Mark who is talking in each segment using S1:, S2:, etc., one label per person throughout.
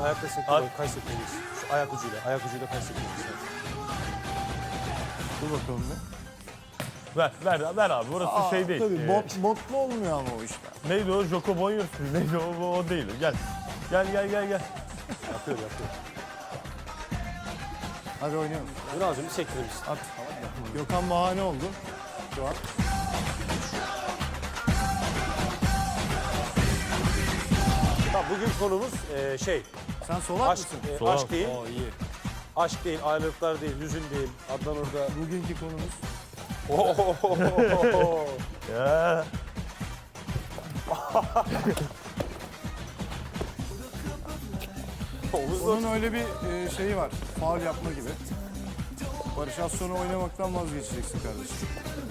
S1: ayakla sektirmeyiz. Kaç sektirmeyiz? Şu ayak ucuyla kaç sektirmeyiz.
S2: Dur bakalım bir.
S3: Ver abi burası şey değil.
S2: Tabii botlu olmuyor ama o işler.
S3: Neydi o? Joko Bonyos mu? Neydi o değil. Gel. Gel.
S1: Yapıyor.
S2: Hadi oynayalım.
S1: Ünal'cığım bir sektirelim.
S2: At. Gökhan bahane oldu şu an.
S1: Tamam, bugün konumuz
S2: Sen solak
S1: aşk,
S2: mısın?
S1: aşk değil.
S2: Oo iyi.
S1: Aşk değil, ayrılıklar değil, hüzün değil. Adnan orada.
S2: Bugünkü konumuz.
S3: Ya.
S2: Onun öyle bir şeyi var. Faul yapma gibi. Barış az sonra oynamaktan vazgeçeceksin kardeşim.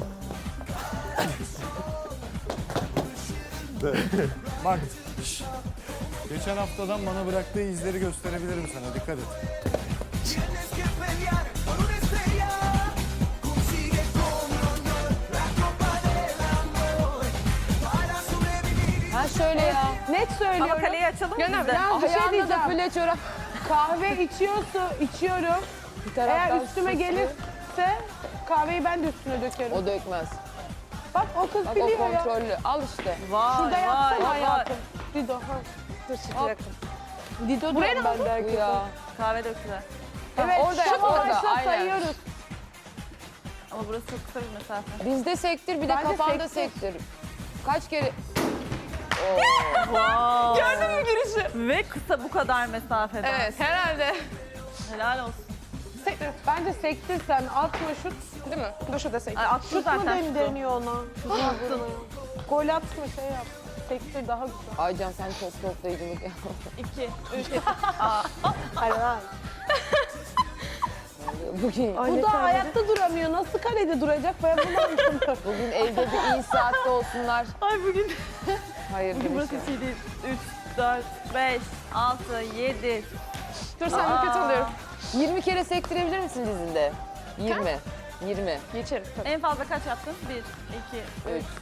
S2: Bak. Geçen haftadan bana bıraktığı izleri gösterebilirim sana. Dikkat et.
S4: Tienes que pelear por una estrella. Consigue con honor la copa del amor para sobrevivir.
S5: Ha şöyle ya.
S6: Net söylüyorum.
S5: Ama kaleyi açalım mı
S6: Gönül,
S5: biz de?
S6: yalnız bir şey
S5: Ayağında da
S6: diyeceğim.
S5: füle çorap.
S6: Kahve içiyorum.
S5: Bir taraftan
S6: Eğer üstüme
S5: süslü.
S6: gelirse kahveyi ben de üstüne dökerim.
S5: O dökmez.
S6: Bak o kız
S5: Bak o
S6: biliyor ya.
S5: kontrollü. Al işte.
S6: Şurada yapsana hayatım. Dido. Ha.
S5: Dur çıkacaktım.
S6: Dido buraya ne
S5: Ben de
S6: oldu?
S5: herkese. Ya.
S7: Kahve döktüler.
S6: Evet
S5: orada
S6: şu
S5: yap, orada,
S6: taşla
S5: aynen.
S6: sayıyoruz.
S7: Ama burası çok kısa bir mesafe.
S5: Bizde sektir bir de
S6: Bence
S5: kafanda
S6: sektir.
S5: sektir. Kaç kere...
S7: Gördün mü girişi? Ve kısa bu kadar mesafeden.
S6: Evet herhalde.
S7: Helal olsun.
S6: Bence sektir sen. Atma şut. Değil mi? Dur şurada sektir.
S7: Ay, attı
S6: Şut mu
S7: zaten şutu.
S6: deniyor ona? Attın. Gol atma şey yap. Sektir daha güzel.
S5: Aycan sen çok toplayıcılık ya.
S7: 2, 3.
S6: Hadi lan.
S5: Bugün,
S6: Bu da ayakta duramıyor. Nasıl kalede duracak? Ben bunu anlamadım.
S5: bugün evde bir iyi saatte olsunlar.
S7: Ay bugün.
S5: Hayır
S7: Bugün
S5: demiş
S7: burası
S5: ya.
S7: hiç iyi değil. 3, 4, 5, 6, 7.
S6: Dur sen de kötü oluyorum.
S5: 20 kere sektirebilir misin dizinde? 20. 20.
S6: Geçerim tabii.
S7: En fazla kaç yaptın? 1, 2, 3, 4, 5, 6, 7, 8,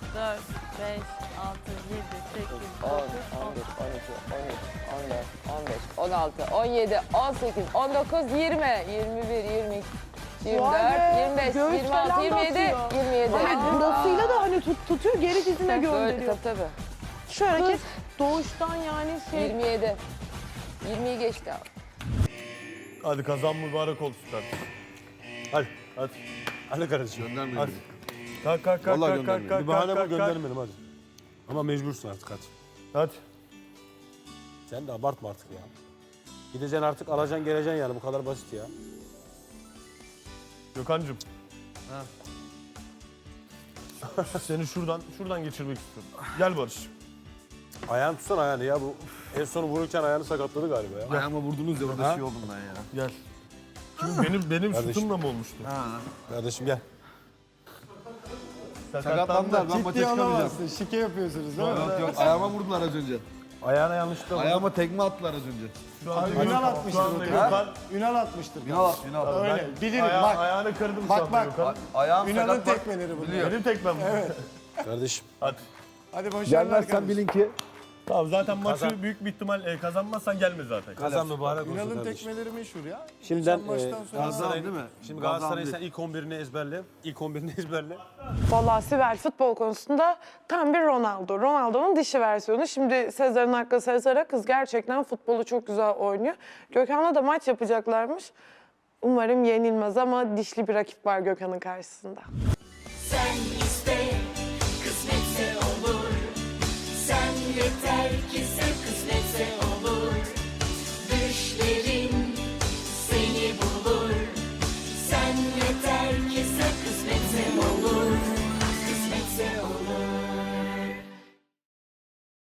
S5: 10,
S7: 9,
S5: 11, 12, 13, 14, 15, 16, 17, 18, 19, 20, 21, 22, 24,
S6: Vay be,
S5: 25,
S6: göğüs
S5: 26,
S6: falan
S5: 27,
S6: basıyor.
S5: 27.
S6: Evet burasıyla da hani tutuyor geri dizine gönderiyor.
S5: Tabii.
S6: Şu hareket doğuştan yani şey.
S5: 27. 20'yi geçti abi.
S3: Hadi kazan mübarek olsun kardeşim. Hadi.
S1: Hadi kardeşim.
S3: Hadi. Kalk.
S1: Vallahi göndermeyelim. Bir bahane bul
S3: kalk.
S1: göndermeyelim hadi. Ama mecbursun artık hadi.
S3: Hadi.
S1: Sen de abartma artık ya. Gideceksin artık alacaksın geleceksin yani bu kadar basit ya.
S3: Gökhan'cığım. Seni şuradan geçirmek istiyorum. Gel Barış.
S1: Ayağını tutsana ayağını ya bu. En son vururken ayağını sakatladı galiba ya.
S2: Ayağıma vurdunuz ya orada şey oldum ben ya.
S3: Gel. Benim
S1: Kardeşim.
S3: şutumla mı olmuştu?
S1: Kardeşim gel.
S2: Sakatlandılar ben maça çıkamayacağım. Şike yapıyorsunuz değil mi?
S8: Yok ayağıma vurdular az önce.
S1: Ayağına yanlışlıkla vurdun.
S8: Ayağıma tekme attılar az önce.
S3: Şu anda
S2: Ünal atmıştır
S3: şu anda
S2: o
S3: Gökhan.
S2: Ünal atmıştır.
S8: Ünal.
S2: Öyle bilirim
S3: Aya-
S2: bak.
S3: Ayağını kırdım şu
S2: Bak,
S3: anda
S2: bak.
S3: Gökhan.
S8: Ayağım
S2: Ünal'ın
S8: sakat bak.
S2: tekmeleri bunlar.
S3: Benim tekmem bu.
S1: Kardeşim.
S3: Hadi.
S2: Hadi başarılar
S8: Gelmezsen
S2: kardeşim.
S8: bilin ki
S3: Tamam zaten maçı
S1: Kazan.
S3: büyük bir ihtimal kazanmazsan gelme zaten.
S1: Kazan mübarek olsun
S2: Ünal'ın
S1: kardeşim.
S2: tekmeleri meşhur ya.
S1: Şimdiden
S2: Geçen maçtan sonra
S1: Galatasaray'ın
S8: değil mi?
S1: Şimdi
S8: Gazan
S1: Galatasaray'ın
S8: değil.
S1: sen ilk 11'ini ezberle. İlk 11'ini ezberle.
S6: Vallahi Sibel futbol konusunda tam bir Ronaldo. Ronaldo'nun dişi versiyonu. Şimdi Sezar'ın hakkı Sezar'a, kız gerçekten futbolu çok güzel oynuyor. Gökhan'la da maç yapacaklarmış. Umarım yenilmez ama dişli bir rakip var Gökhan'ın karşısında.
S4: Sen iste, kısmetse olur. Sen yeter ki sev.